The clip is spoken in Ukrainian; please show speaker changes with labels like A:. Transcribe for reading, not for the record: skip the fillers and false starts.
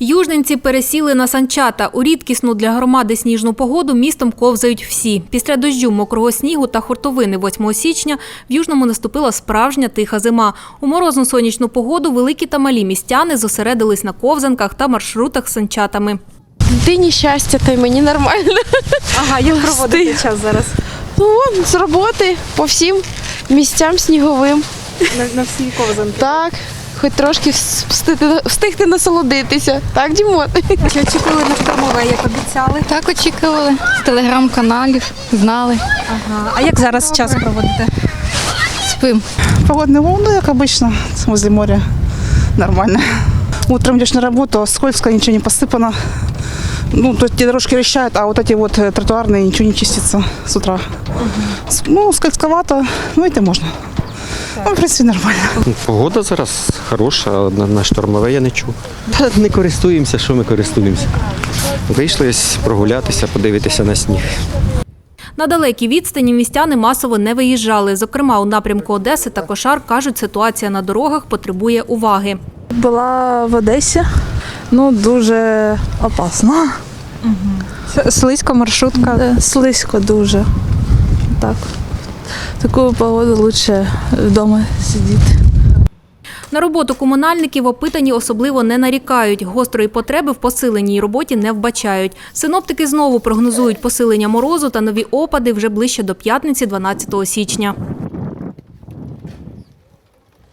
A: Южненці пересіли на санчата. У рідкісну для громади сніжну погоду містом ковзають всі. Після дощу, мокрого снігу та хуртовини 8 січня в Южному наступила справжня тиха зима. У морозну сонячну погоду великі та малі містяни зосередились на ковзанках та маршрутах з санчатами.
B: Дитині щастя, та й мені нормально.
A: Ага, як проводите час зараз?
B: Ну, з роботи по всім місцям сніговим.
A: На всі ковзанки.
B: Так, хоч трошки встигти насолодитися. Так, Дімон?
A: Чи очікували на штормове, як обіцяли?
C: Так, очікували. З телеграм-каналів, знали.
A: Ага. А як зараз час проводите?
C: Спим.
D: Погодные волны, как обычно, возле моря. Нормально. Утром идешь на работу, скользко, ничего не посыпано. Ну, то эти дорожки решают, а вот эти вот тротуарные ничего не чистится с утра. Ну, скользковато, ну это можно. Ну, в принципі, нормально.
E: Погода зараз хороша, на штормове я не чув. Не користуємося, що ми користуємося. Вийшли ось прогулятися, подивитися на сніг.
A: На далекій відстані містяни масово не виїжджали. Зокрема, у напрямку Одеси та Кошар, кажуть, ситуація на дорогах потребує уваги.
F: Була в Одесі, ну дуже опасно.
A: Слизько маршрутка.
F: Слизько дуже. Так. Таку погоду краще вдома сидіти.
A: На роботу комунальників опитані особливо не нарікають. Гострої потреби в посиленій роботі не вбачають. Синоптики знову прогнозують посилення морозу та нові опади вже ближче до п'ятниці 12 січня.